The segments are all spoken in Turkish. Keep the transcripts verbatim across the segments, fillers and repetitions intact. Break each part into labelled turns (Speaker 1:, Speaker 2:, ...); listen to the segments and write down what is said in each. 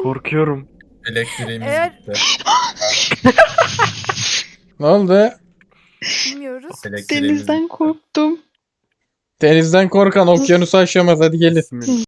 Speaker 1: Korkuyorum.
Speaker 2: Elektriğimiz
Speaker 3: Eğer-
Speaker 2: gitti.
Speaker 4: Ne oldu?
Speaker 3: Bilmiyoruz.
Speaker 2: Elektriğimiz
Speaker 5: Denizden
Speaker 2: gitti.
Speaker 5: korktum.
Speaker 4: Denizden korkan okyanusu aşamaz. Hadi gelin.
Speaker 1: Bismillah.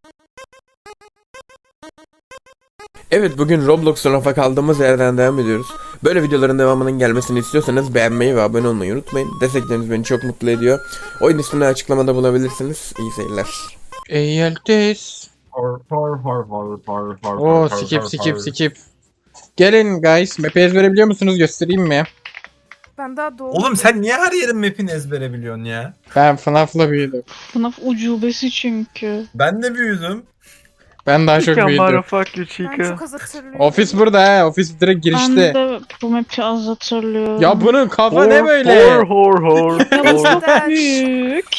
Speaker 6: Evet, bugün Roblox'ta rafa kaldığımız yerden devam ediyoruz. Böyle videoların devamının gelmesini istiyorsanız beğenmeyi ve abone olmayı unutmayın. Destekleriniz beni çok mutlu ediyor. Oyun ismini açıklamada bulabilirsiniz. İyi seyirler.
Speaker 4: Eğelteyiz.
Speaker 2: Hor hor hor hor hor hor
Speaker 4: Oo
Speaker 2: hor,
Speaker 4: skip
Speaker 2: hor,
Speaker 4: skip
Speaker 2: hor.
Speaker 4: skip. Gelin guys. Map'i ezbere biliyor musunuz? Göstereyim mi?
Speaker 3: Ben daha doğdum.
Speaker 2: Oğlum sen niye her yerin map'ini ezbere biliyorsun ya?
Speaker 4: Ben F NAF'la büyüdüm.
Speaker 5: F NAF ucubesi çünkü.
Speaker 2: Ben de büyüdüm.
Speaker 4: Ben daha çok büyüdüm.
Speaker 1: Chica, fuck you
Speaker 3: Ben
Speaker 1: chica.
Speaker 3: çok az hatırlıyorum.
Speaker 4: Ofis burada he. Ofis direkt
Speaker 5: Ben
Speaker 4: girişte.
Speaker 5: de bu map'i az hatırlıyorum.
Speaker 4: Ya bunun kafa
Speaker 1: Hor,
Speaker 4: ne böyle?
Speaker 1: Hor hor hor.
Speaker 5: Ya bu
Speaker 1: hor.
Speaker 5: çok büyük.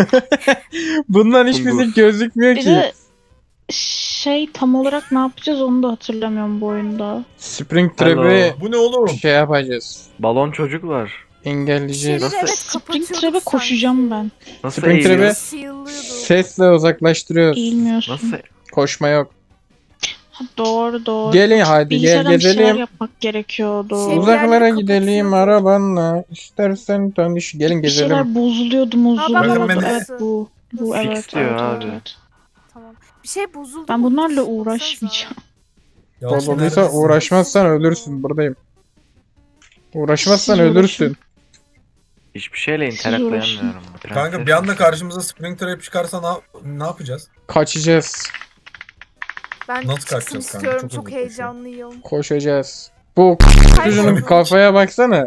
Speaker 4: Bundan hiçbir şey
Speaker 1: Kunduz.
Speaker 4: gözükmüyor
Speaker 5: Bir
Speaker 4: ki.
Speaker 5: de şey tam olarak ne yapacağız onu da hatırlamıyorum bu oyunda.
Speaker 4: Spring
Speaker 1: Hello.
Speaker 4: Trap'i
Speaker 2: Bu ne oğlum?
Speaker 4: şey yapacağız.
Speaker 1: Balon çocuklar.
Speaker 4: Engelleyeceğiz.
Speaker 3: Şeyleri evet
Speaker 5: Spring
Speaker 3: kapatıyorduk
Speaker 5: Trap'e
Speaker 3: sanki.
Speaker 5: koşacağım ben.
Speaker 1: Nasıl
Speaker 4: Spring
Speaker 1: eğiliyor?
Speaker 4: Trap'e
Speaker 3: Shield'lıyordu.
Speaker 4: sesle uzaklaştırıyoruz.
Speaker 5: Eğilmiyorsun.
Speaker 1: Nasıl?
Speaker 4: Koşma yok.
Speaker 5: Ha, doğru doğru.
Speaker 4: Gelin hadi gel
Speaker 5: Bilgisayardan bir şeyler
Speaker 4: gezelim.
Speaker 5: yapmak gerekiyordu.
Speaker 3: Şey-
Speaker 4: Uzaklara
Speaker 3: yerleri
Speaker 4: gidelim
Speaker 3: kapatıyordu.
Speaker 4: arabanla. İstersen tanış. Gelin
Speaker 5: Bir
Speaker 4: gezelim.
Speaker 5: şeyler bozuluyordu
Speaker 3: Bakın
Speaker 5: mozuluyordu.
Speaker 2: beni-
Speaker 5: Evet bu. Bu
Speaker 1: Fix
Speaker 5: evet,
Speaker 1: diyor
Speaker 5: evet,
Speaker 1: abi.
Speaker 5: evet.
Speaker 3: Tamam. Bir şey bozuldu.
Speaker 5: Ben
Speaker 3: mu?
Speaker 5: bunlarla
Speaker 3: Baksanıza.
Speaker 5: uğraşmayacağım.
Speaker 2: Yalçın
Speaker 4: Bozulduysa
Speaker 2: neredesin?
Speaker 4: uğraşmazsan ölürsün. Buradayım. Uğraşmazsan
Speaker 5: Siz
Speaker 4: ölürsün.
Speaker 1: Hiçbir şeyle
Speaker 5: uğraşın.
Speaker 1: interaklayamıyorum.
Speaker 2: Kanka bir anda karşımıza Spring Trap çıkarsa ne, ne yapacağız?
Speaker 4: Kaçacağız.
Speaker 3: Ben
Speaker 2: Nasıl
Speaker 3: çıksın
Speaker 2: kaçacağız kanka?
Speaker 3: istiyorum.
Speaker 2: Çok
Speaker 3: Çok,
Speaker 2: hızlı koşuyor.
Speaker 3: heyecanlıyım.
Speaker 4: Koşacağız. Bu çocuğun
Speaker 3: Kayboldu.
Speaker 4: kafaya baksana.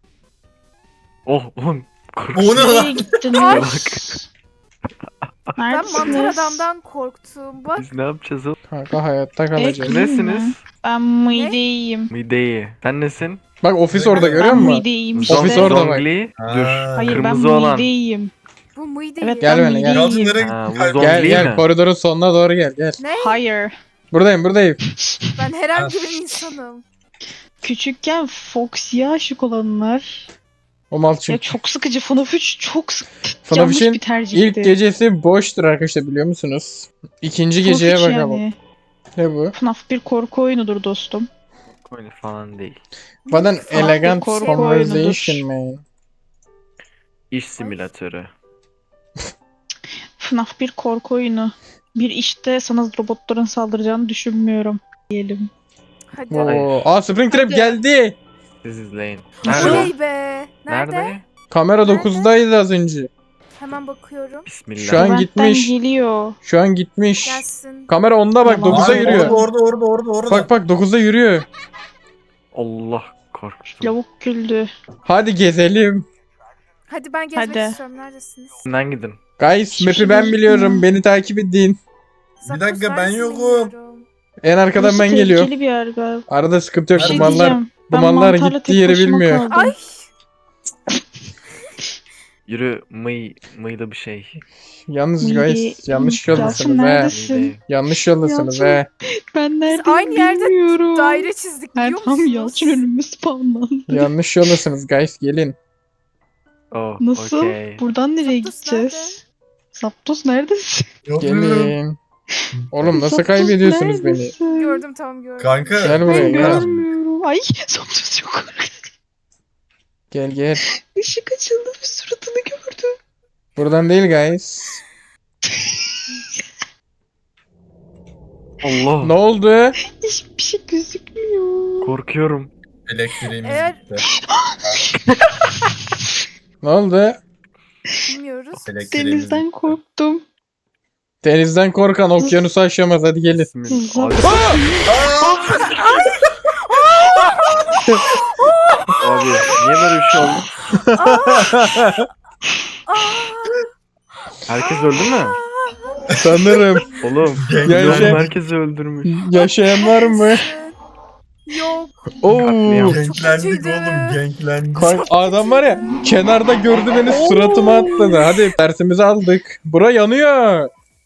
Speaker 1: Oh oğlum.
Speaker 2: O
Speaker 1: Korkuyorum.
Speaker 2: ne lan?
Speaker 5: Nereye gittiniz?
Speaker 3: Ben mantar
Speaker 5: Neredesiniz?
Speaker 3: adamdan korktum. Bak.
Speaker 1: Biz ne yapacağız oğlum?
Speaker 4: Kanka hayatta kalacağız.
Speaker 5: Ek-
Speaker 1: Nesiniz?
Speaker 5: Ben mideyim.
Speaker 1: Mideyi. Sen nesin?
Speaker 4: Bak ofis orada görüyor
Speaker 5: Ben
Speaker 4: musun?
Speaker 5: mideyim
Speaker 1: Zong-
Speaker 4: Ofis
Speaker 5: işte.
Speaker 4: orada bak.
Speaker 1: Zongli.
Speaker 2: Ha.
Speaker 1: Dur.
Speaker 5: Hayır
Speaker 1: Kırmızı
Speaker 5: ben
Speaker 1: olan.
Speaker 5: mideyim.
Speaker 3: Bu mıydı?
Speaker 5: Evet
Speaker 4: Gel
Speaker 5: ben
Speaker 4: benimle, gel.
Speaker 2: Yalçın
Speaker 5: mideyim.
Speaker 2: nereye
Speaker 1: Ha, bu
Speaker 2: kayboldu?
Speaker 1: zombi.
Speaker 4: Gel
Speaker 1: Zongli
Speaker 4: gel
Speaker 1: mi?
Speaker 4: koridorun sonuna doğru gel gel.
Speaker 3: Ne?
Speaker 5: Hayır.
Speaker 4: Buradayım buradayım.
Speaker 3: Ben herhangi bir insanım.
Speaker 5: Küçükken Foxy'ye aşık olanlar.
Speaker 4: O mal
Speaker 5: Ya
Speaker 4: çünkü.
Speaker 5: çok sıkıcı. F NAF üç çok sık
Speaker 4: F NAF
Speaker 5: yanlış
Speaker 4: üçün
Speaker 5: bir tercihti.
Speaker 4: İlk gecesi boştur arkadaşlar biliyor musunuz? İkinci
Speaker 5: F NAF
Speaker 4: geceye
Speaker 5: üç
Speaker 4: bakalım.
Speaker 5: yani.
Speaker 4: Ne bu?
Speaker 5: F NAF bir korku oyunudur dostum.
Speaker 1: Öyle falan değil.
Speaker 4: Baden
Speaker 3: Falan
Speaker 4: elegant
Speaker 5: korku
Speaker 4: conversation
Speaker 5: oyunudur.
Speaker 4: man.
Speaker 1: İş simülatörü.
Speaker 5: F NAF bir korku oyunu. Bir işte sana robotların saldıracağını düşünmüyorum diyelim.
Speaker 3: Hadi.
Speaker 4: Oo. Aa Spring Trap
Speaker 5: Hadi.
Speaker 4: geldi.
Speaker 1: Siz izleyin.
Speaker 5: Nasıl?
Speaker 1: Nerede?
Speaker 3: Oley be. Nerede?
Speaker 1: Nerede?
Speaker 4: Kamera
Speaker 3: Nerede?
Speaker 4: dokuzdaydı az önce.
Speaker 3: Hemen bakıyorum.
Speaker 1: Bismillah.
Speaker 4: Şu an
Speaker 5: Benden
Speaker 4: gitmiş.
Speaker 5: geliyor.
Speaker 4: Şu an gitmiş.
Speaker 3: Gelsin.
Speaker 4: Kamera onda bak
Speaker 5: Yalan.
Speaker 4: dokuza
Speaker 2: Abi,
Speaker 4: yürüyor.
Speaker 2: Orada orada orada orada orada.
Speaker 4: Bak bak dokuzda yürüyor.
Speaker 1: Allah korktum.
Speaker 5: Lavuk güldü.
Speaker 4: Hadi gezelim.
Speaker 3: Hadi ben gezmek
Speaker 5: Hadi.
Speaker 3: istiyorum. Neredesiniz?
Speaker 1: Önden gidin.
Speaker 4: Guys
Speaker 5: Hiçbir
Speaker 4: map'i
Speaker 5: şey
Speaker 4: ben
Speaker 5: gözükmüyor.
Speaker 4: biliyorum. Beni takip edin.
Speaker 3: Zapdos
Speaker 2: dakika, ben
Speaker 3: neredesin
Speaker 2: yokum.
Speaker 3: bilmiyorum.
Speaker 4: En arkadan
Speaker 5: Burası
Speaker 4: ben geliyorum.
Speaker 5: tehlikeli bir yer galiba.
Speaker 4: Arada sıkıntı yok.
Speaker 5: Bir şey
Speaker 4: Dumanlar,
Speaker 5: diyeceğim. Ben
Speaker 4: dumanlar
Speaker 5: mantarla
Speaker 4: gittiği
Speaker 5: tek
Speaker 4: yeri
Speaker 5: başıma
Speaker 4: bilmiyor.
Speaker 5: kaldım.
Speaker 3: Ay.
Speaker 1: Yürü mıy mıyla bir şey.
Speaker 4: Yalnız
Speaker 5: Mide-
Speaker 4: guys yanlış
Speaker 5: Yalçın
Speaker 4: yoldasınız he.
Speaker 5: neredesin?
Speaker 1: Mideyi.
Speaker 4: Yanlış yoldasınız
Speaker 5: Yalçın.
Speaker 4: he.
Speaker 5: Ben nerede
Speaker 3: aynı yerde
Speaker 5: bilmiyorum.
Speaker 3: Daire çizdik
Speaker 5: Ben
Speaker 3: biliyor
Speaker 5: tam
Speaker 3: musunuz?
Speaker 5: Yalçın önüme spawnlandı.
Speaker 4: Yanlış yoldasınız guys gelin.
Speaker 1: Oh,
Speaker 5: Nasıl?
Speaker 1: okey.
Speaker 5: Buradan nereye
Speaker 3: Zapdos
Speaker 5: gideceğiz? Zapdos neredesin?
Speaker 2: Yok,
Speaker 4: Gelin. Oğlum nasıl
Speaker 5: Zapdos
Speaker 4: kaybediyorsunuz beni?
Speaker 5: neredesin?
Speaker 3: Gördüm tamam gördüm.
Speaker 2: Kanka.
Speaker 4: Gel buraya,
Speaker 5: Ben
Speaker 4: gel.
Speaker 5: görmüyorum. Ay Zapdos çok korktum.
Speaker 4: Gel gel.
Speaker 5: Işık açıldı ve suratını gördüm.
Speaker 4: Buradan değil guys.
Speaker 1: Allah.
Speaker 4: Ne oldu?
Speaker 5: Hiçbir şey gözükmüyor.
Speaker 1: Korkuyorum.
Speaker 2: Elektriğimiz
Speaker 3: Eğer-
Speaker 2: gitti.
Speaker 4: Ne oldu?
Speaker 3: Bilmiyoruz.
Speaker 2: Elektriğimiz
Speaker 5: Denizden
Speaker 2: gitti.
Speaker 5: korktum.
Speaker 4: Denizden korkan okyanusu aşamaz. Hadi gelin.
Speaker 1: Bismillah. Abi,
Speaker 5: Zapdos.
Speaker 1: abi niye böyle bir şey oldu?
Speaker 3: Aa,
Speaker 1: Herkes öldü mü?
Speaker 4: Sanırım.
Speaker 1: Oğlum.
Speaker 4: Ya
Speaker 1: Oğlum
Speaker 4: şey-
Speaker 1: herkesi öldürmüş.
Speaker 4: Yaşayan var mı?
Speaker 3: neredesin? Yok.
Speaker 4: Oo.
Speaker 1: Katliam.
Speaker 2: Genklendik
Speaker 3: kötüydü.
Speaker 2: oğlum genklendik.
Speaker 4: Kanka, adam var ya kenarda gördü beni suratıma atladı. Hadi dersimizi aldık. Bura yanıyor.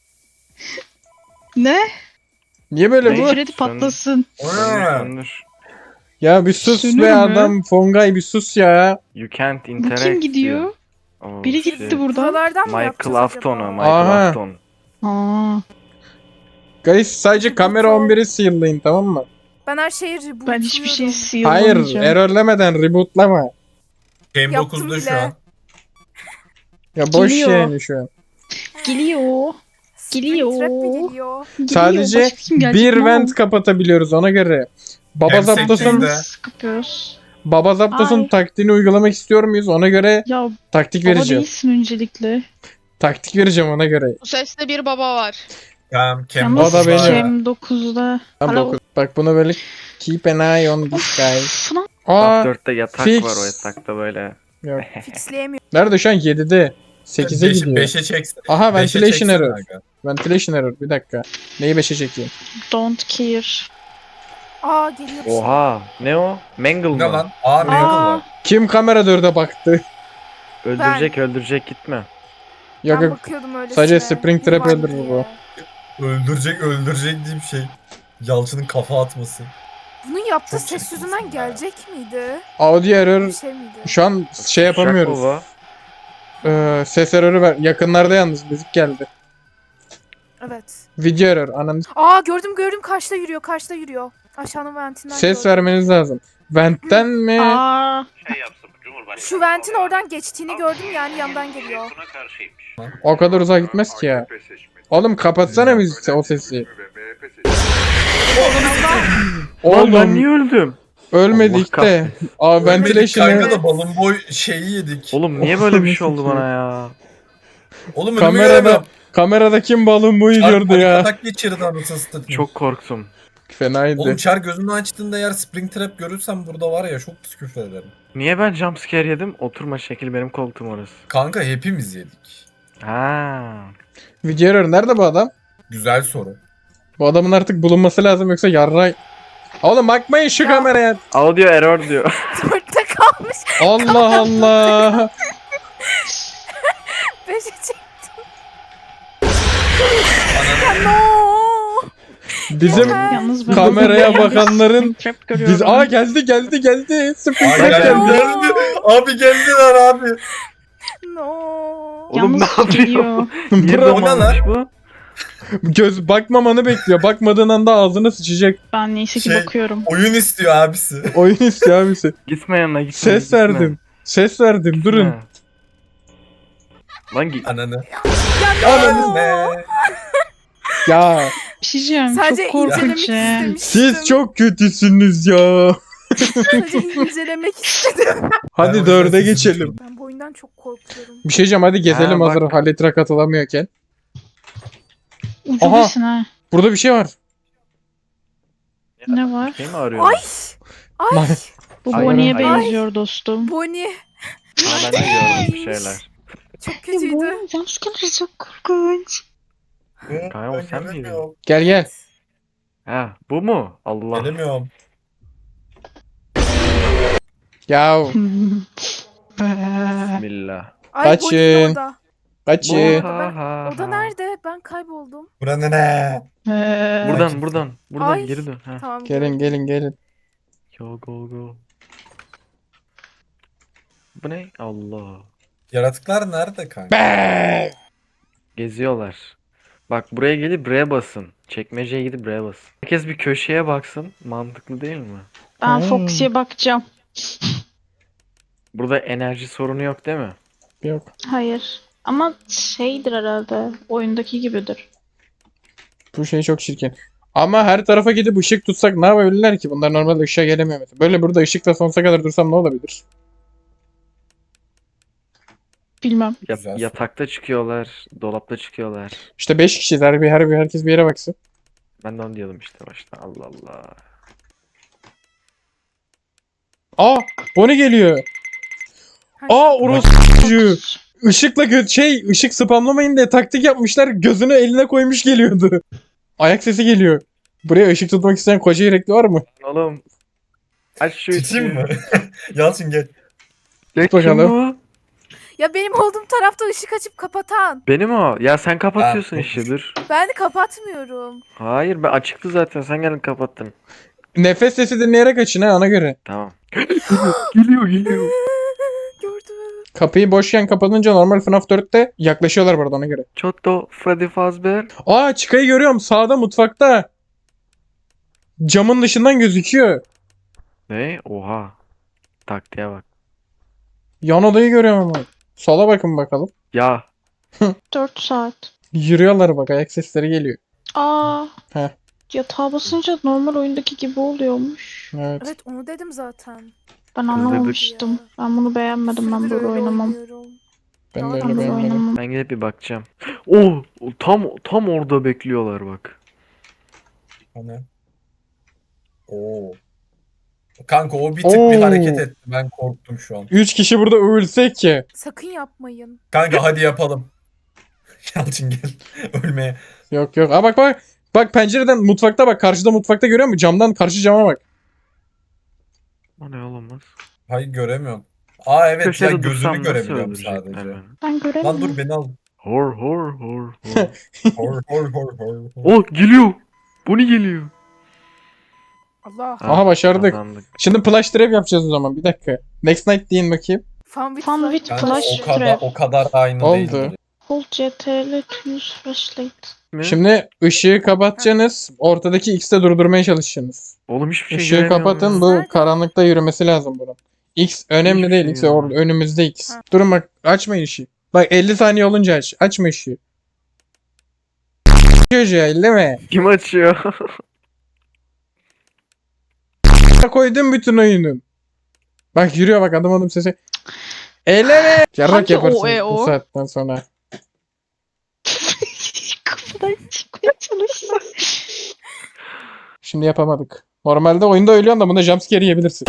Speaker 5: Ne?
Speaker 4: Niye böyle
Speaker 1: Ne?
Speaker 4: bu?
Speaker 5: Freddy patlasın.
Speaker 1: Söndür söndür.
Speaker 4: Ya bir sus
Speaker 5: Sönür
Speaker 4: be
Speaker 5: mü?
Speaker 4: adam. Fongay bir sus ya.
Speaker 1: You can't
Speaker 5: Bu
Speaker 1: interact.
Speaker 5: kim gidiyor?
Speaker 1: diyor. Oh,
Speaker 5: Biri
Speaker 1: shit.
Speaker 5: gitti buradan.
Speaker 3: Buralardan mı
Speaker 1: Michael
Speaker 3: yapacağız
Speaker 1: Afton o.
Speaker 3: acaba?
Speaker 1: Michael
Speaker 4: Aha.
Speaker 1: Afton.
Speaker 5: Aa.
Speaker 4: Guys sadece kamera on biri seal'layın, tamam mı?
Speaker 3: Ben her şeyi rebootluyorum.
Speaker 5: Ben hiçbir şey
Speaker 4: Hayır,
Speaker 5: sıyırmayacağım.
Speaker 4: errorlemeden rebootlama.
Speaker 2: Game
Speaker 3: Yaptım
Speaker 2: dokuzda şu
Speaker 3: bile.
Speaker 2: an.
Speaker 4: Ya boş
Speaker 5: Geliyor.
Speaker 4: yani şu an.
Speaker 5: Geliyor. Geliyor.
Speaker 3: Springtrap mi geliyor?
Speaker 5: Geliyor.
Speaker 4: Sadece
Speaker 5: Başka kim gelecek?
Speaker 4: bir
Speaker 5: Ne
Speaker 4: vent
Speaker 5: oldu?
Speaker 4: kapatabiliyoruz ona göre. Baba
Speaker 2: Hem
Speaker 4: Zapdos'un
Speaker 2: sekizde.
Speaker 5: Nasıl kapıyoruz?
Speaker 4: Baba Zapdos'un
Speaker 5: Ay.
Speaker 4: taktiğini uygulamak istiyor muyuz? Ona göre
Speaker 5: Ya
Speaker 4: taktik
Speaker 5: baba
Speaker 4: vereceğim.
Speaker 5: değilsin öncelikle.
Speaker 4: Taktik vereceğim ona göre.
Speaker 7: Bu seste bir baba var.
Speaker 2: Tamam, Cam
Speaker 5: Yalnız
Speaker 4: O da benim.
Speaker 5: Cem dokuzda.
Speaker 4: Tamam,
Speaker 5: Hala
Speaker 4: dokuz. Bak bunu böyle keep an eye on this guy.
Speaker 5: Falan.
Speaker 4: Aa,
Speaker 1: dörtte yatak
Speaker 4: fix.
Speaker 1: var, o yatakta böyle.
Speaker 4: yok.
Speaker 3: Fixleyemiyorum.
Speaker 4: Nerede şu an? yedide. sekize gidiyor.
Speaker 2: beşe çeksin.
Speaker 4: Aha,
Speaker 2: beşe
Speaker 4: ventilation
Speaker 2: çeksin
Speaker 4: error.
Speaker 2: kanka.
Speaker 4: Ventilation error. Bir dakika. Neyi beşe çekeyim?
Speaker 5: Don't care.
Speaker 3: Aa geliyor bir şey.
Speaker 1: Oha. Ne o? Mangle
Speaker 2: Ne
Speaker 1: mı?
Speaker 2: lan? Aa Mangle
Speaker 3: Aa.
Speaker 2: var.
Speaker 4: Kim kamera dörde baktı?
Speaker 1: Öldürecek öldürecek gitme.
Speaker 4: Yok
Speaker 3: Ben
Speaker 4: yok.
Speaker 3: bakıyordum öylesine.
Speaker 4: Sadece Springtrap
Speaker 3: Bu var
Speaker 4: öldürür
Speaker 3: diye.
Speaker 4: bu.
Speaker 2: Öldürecek öldürecek diye bir şey. Yalçın'ın kafa atması.
Speaker 3: Bunun yaptığı
Speaker 2: Çok
Speaker 3: ses
Speaker 2: çirkin
Speaker 3: yüzünden
Speaker 2: ya.
Speaker 3: gelecek miydi?
Speaker 4: Audio error.
Speaker 3: Bir şey miydi?
Speaker 4: Şu an şey yapamıyoruz.
Speaker 1: Şakova.
Speaker 4: Ee, ses error'ı ver. Yakınlarda yalnız müzik geldi.
Speaker 3: Evet.
Speaker 4: Video error. Ananı s-
Speaker 3: Aa gördüm gördüm karşıda yürüyor karşıda yürüyor. Aşağının ventinden
Speaker 4: ses
Speaker 3: gördüm.
Speaker 4: vermeniz lazım. Vent'ten mi?
Speaker 5: Aa,
Speaker 3: Şu ventin oradan geçtiğini gördüm yani yandan geliyor.
Speaker 4: O kadar uzağa gitmez ki ya. Oğlum kapatsana müzik o sesi.
Speaker 1: Oğlum ben
Speaker 4: Oğlum
Speaker 1: niye öldüm?
Speaker 4: ölmedik
Speaker 1: Allah
Speaker 4: de. Aa
Speaker 2: Ölmedik
Speaker 4: ventilation
Speaker 2: kanka
Speaker 4: error.
Speaker 2: da balon boy şeyi yedik.
Speaker 1: Oğlum niye böyle bir şey oldu bana ya?
Speaker 2: Oğlum önümü
Speaker 4: Kamerada
Speaker 2: göremiyorum.
Speaker 4: kamerada kim balon boyu
Speaker 2: Çar
Speaker 4: gördü
Speaker 2: panik
Speaker 4: ya.
Speaker 2: atak geçirdi anasını satayım.
Speaker 1: Çok korktum.
Speaker 4: Fenaydı.
Speaker 2: Oğlum Çar gözünü açtığında eğer Springtrap görürsem burada var ya çok pis küfür ederim.
Speaker 1: Niye ben jumpscare yedim? Oturma şekil benim koltuğum orası.
Speaker 2: Kanka hepimiz yedik.
Speaker 1: Ha.
Speaker 4: Video error nerede bu adam?
Speaker 2: Güzel soru.
Speaker 4: Bu adamın artık bulunması lazım yoksa yarray. Oğlum bakmayın şu
Speaker 3: Ya.
Speaker 4: kameraya.
Speaker 1: Audio error diyor.
Speaker 3: Dörtte kalmış.
Speaker 4: Allah Allah.
Speaker 3: Beşe çektim. Ya no.
Speaker 4: Bizim
Speaker 5: yalnız ben
Speaker 4: kameraya bakanların
Speaker 5: Trap görüyorum.
Speaker 4: biz aa geldi geldi geldi.
Speaker 2: Abi
Speaker 4: Springtrap
Speaker 2: geldi,
Speaker 4: geldi.
Speaker 2: geldi. Abi geldiler abi.
Speaker 3: No.
Speaker 1: Oğlum
Speaker 5: Yalnız
Speaker 1: ne yapıyor?
Speaker 5: geliyor.
Speaker 1: Niye
Speaker 4: Bro,
Speaker 2: O ne
Speaker 1: zamanmış
Speaker 2: lan?
Speaker 1: bu?
Speaker 4: göz bakmamanı bekliyor. Bakmadığın anda ağzına sıçacak.
Speaker 5: Ben neyse ki
Speaker 2: Şey-
Speaker 5: bakıyorum.
Speaker 2: Oyun istiyor abisi.
Speaker 4: Oyun istiyor abisi.
Speaker 1: Gitme yanına gitme.
Speaker 4: Ses
Speaker 1: gitme.
Speaker 4: verdim. Ses verdim.
Speaker 1: Gitme.
Speaker 4: Durun.
Speaker 1: Lan git.
Speaker 2: Ananı.
Speaker 3: Ya
Speaker 2: Ananı
Speaker 3: no.
Speaker 2: ne?
Speaker 4: Ya
Speaker 5: Bir şey diyeceğim.
Speaker 3: Sadece
Speaker 5: Çok korkunç
Speaker 3: incelemek
Speaker 5: ya.
Speaker 3: istemiştim.
Speaker 4: siz çok kötüsünüz ya.
Speaker 3: Sadece incelemek istedim.
Speaker 4: Hadi
Speaker 2: Ben
Speaker 4: dörde
Speaker 2: oyunu
Speaker 4: geçelim.
Speaker 3: Ben bu oyundan çok korkuyorum.
Speaker 4: Bir şey diyeceğim, hadi gezelim
Speaker 1: Ha,
Speaker 4: hazır
Speaker 1: bak.
Speaker 4: Halitra katılamıyorken.
Speaker 5: Ucundasın ha.
Speaker 4: Burada bir şey var.
Speaker 5: Ne var?
Speaker 1: Şey mi arıyor?
Speaker 3: Ay. Ay.
Speaker 5: Bu
Speaker 1: Ay,
Speaker 5: Bonnie'ye
Speaker 1: ay.
Speaker 5: benziyor dostum.
Speaker 3: Bonnie.
Speaker 1: Ha, ben de gördüm bir şeyler.
Speaker 3: Çok kötüydü.
Speaker 5: Jumpscare çok korkunç.
Speaker 1: Kanka, o sen miydin?
Speaker 2: Gelemiyorum.
Speaker 4: Gel gel.
Speaker 1: Ha bu mu? Allah.
Speaker 2: Gelemiyorum.
Speaker 4: Ya
Speaker 1: Bismillah.
Speaker 3: Ay
Speaker 4: Kaçın.
Speaker 3: Bonnie'nin orada.
Speaker 4: kaçı.
Speaker 3: Bu-
Speaker 1: Ha, ha,
Speaker 3: O da
Speaker 1: ha.
Speaker 3: nerede? Ben kayboldum.
Speaker 2: Buranın ne?
Speaker 1: Buradan buradan. Buradan
Speaker 3: Ay.
Speaker 1: geri dön. Ha.
Speaker 3: Tamam.
Speaker 4: Gelin gelin gelin.
Speaker 1: Go go go. Bu ne? Allah.
Speaker 2: Yaratıklar nerede kanka?
Speaker 4: Be!
Speaker 1: Geziyorlar. Bak buraya gelip buraya basın. Çekmeceye gidip buraya basın. Herkes bir köşeye baksın. Mantıklı değil mi?
Speaker 5: Ben
Speaker 4: Hmm.
Speaker 5: Foxy'ye bakacağım.
Speaker 1: Burada enerji sorunu yok değil mi?
Speaker 4: Yok.
Speaker 5: Hayır. Ama şeydir herhalde. Oyundaki gibidir.
Speaker 4: Bu şey çok çirkin. Ama her tarafa gidip ışık tutsak ne yapabilirler ki? Bunlar normalde ışığa gelemiyor mesela. Böyle burada ışıkta sonsuza kadar dursam ne olabilir?
Speaker 5: Bilmem.
Speaker 1: Ya-
Speaker 2: Güzel.
Speaker 1: yatakta çıkıyorlar. Dolapta çıkıyorlar.
Speaker 4: İşte beş kişiyiz. Her bir, her bir herkes bir yere baksın.
Speaker 1: Ben de onu diyordum işte başta. Allah Allah.
Speaker 4: Aa! Bonnie geliyor. Aa orospu çocuğu. Işıkla gö- şey ışık spamlamayın diye taktik yapmışlar. Gözünü eline koymuş geliyordu. Ayak sesi geliyor. Buraya ışık tutmak isteyen koca yürekli var mı?
Speaker 1: Oğlum. Aç şu
Speaker 2: Tutayım
Speaker 1: ışığı.
Speaker 2: mı? Yalçın gel.
Speaker 1: Ya
Speaker 4: bakalım.
Speaker 1: kim bu?
Speaker 3: Ya benim olduğum tarafta ışık açıp kapatan.
Speaker 1: Benim o. Ya sen kapatıyorsun
Speaker 2: Ha,
Speaker 1: ışığı dur.
Speaker 3: Ben kapatmıyorum.
Speaker 1: Hayır ben açıktı zaten. Sen geldin kapattın.
Speaker 4: Nefes sesi dinleyerek açın ha ona göre.
Speaker 1: Tamam. geliyor geliyor.
Speaker 3: Gördüm.
Speaker 4: Kapıyı boşken kapatınca normal F NAF dörtte yaklaşıyorlar burada ona göre.
Speaker 1: Çotto Freddy Fazbear.
Speaker 4: Aa Chico'yu görüyorum sağda mutfakta. Camın dışından gözüküyor.
Speaker 1: Ne? Oha. Taktiğe bak.
Speaker 4: Yan odayı görüyorum ama. Sola bakın bakalım.
Speaker 1: Ya.
Speaker 5: dört saat.
Speaker 4: Yürüyorlar bak ayak sesleri geliyor.
Speaker 5: Aa.
Speaker 4: Heh.
Speaker 5: Yatağa basınca normal oyundaki gibi oluyormuş.
Speaker 4: Evet.
Speaker 3: Evet onu dedim zaten.
Speaker 5: Ben
Speaker 1: Kızdırdık.
Speaker 5: anlamamıştım. Ben bunu beğenmedim. Ben
Speaker 3: Süredir
Speaker 5: böyle
Speaker 3: öyle
Speaker 5: oynamam.
Speaker 3: oynuyorum.
Speaker 4: Ben de
Speaker 3: Daha
Speaker 4: öyle
Speaker 5: Ben böyle
Speaker 4: beğenmedim.
Speaker 5: oynamam.
Speaker 1: Ben gidip bir bakacağım. Oh, tam tam orada bekliyorlar bak.
Speaker 2: Hani. Oo. Kanka o bir tık bir
Speaker 4: Oo.
Speaker 2: hareket etti. Ben korktum şu an.
Speaker 4: Üç kişi burada ölsek ki.
Speaker 3: Sakın yapmayın.
Speaker 2: Kanka hadi yapalım. Yalçın gel. Ölmeye.
Speaker 4: Yok yok. Aa bak bak. Bak pencereden mutfakta bak. Karşıda mutfakta görüyor musun? Camdan karşı cama bak.
Speaker 1: O ne olamaz.
Speaker 2: Hayır göremiyorum. Aa evet ya
Speaker 1: Köşede
Speaker 2: gözünü
Speaker 1: dursam nasıl
Speaker 2: görebiliyorum
Speaker 1: öldürecekler
Speaker 2: sadece.
Speaker 1: beni?
Speaker 5: Ben
Speaker 2: Lan
Speaker 5: göremiyorum.
Speaker 2: dur beni al.
Speaker 1: Hor hor hor hor.
Speaker 2: Hor hor hor hor. hor.
Speaker 1: Oh geliyor. Bu ne geliyor?
Speaker 3: Allah.
Speaker 1: Ha,
Speaker 4: Aha başardık.
Speaker 1: kazandık.
Speaker 4: Şimdi flash trap yapacağız o zaman. Bir dakika. Next night deyin bakayım.
Speaker 3: Fun with
Speaker 5: Fun
Speaker 3: flash.
Speaker 5: with
Speaker 2: Kanka
Speaker 5: Flash
Speaker 2: o kadar
Speaker 5: trap.
Speaker 2: o kadar aynı
Speaker 4: Oldu.
Speaker 2: değildir.
Speaker 5: Hold C T L to use flashlight.
Speaker 1: Mi?
Speaker 4: Şimdi ışığı kapatacaksınız. Ortadaki X'te durdurmaya çalışacaksınız.
Speaker 1: Oğlum hiçbir şey
Speaker 4: Işığı
Speaker 1: göremiyorum
Speaker 4: kapatın.
Speaker 1: ya.
Speaker 4: Bu
Speaker 3: Nerede?
Speaker 4: karanlıkta yürümesi lazım bunun. X önemli
Speaker 1: Hiçbir
Speaker 4: değil.
Speaker 1: şey
Speaker 4: X
Speaker 1: göremiyorum.
Speaker 4: orada önümüzde X.
Speaker 3: Ha.
Speaker 4: Durun bak açmayın ışığı. Bak elli saniye olunca aç. Açma ışığı. Çocuğa elleme.
Speaker 1: Kim açıyor?
Speaker 4: Koydum bütün oyunun. Bak yürüyor bak adım adım sesi. Elleme. Yarrak
Speaker 5: Hangi
Speaker 4: yaparsın
Speaker 5: o, e,
Speaker 4: bu
Speaker 5: o?
Speaker 4: saatten sonra.
Speaker 5: Kapıdan çıkmaya çalışsam.
Speaker 4: Şimdi yapamadık. Normalde oyunda ölüyorsun da bunda jumpscare yiyebilirsin.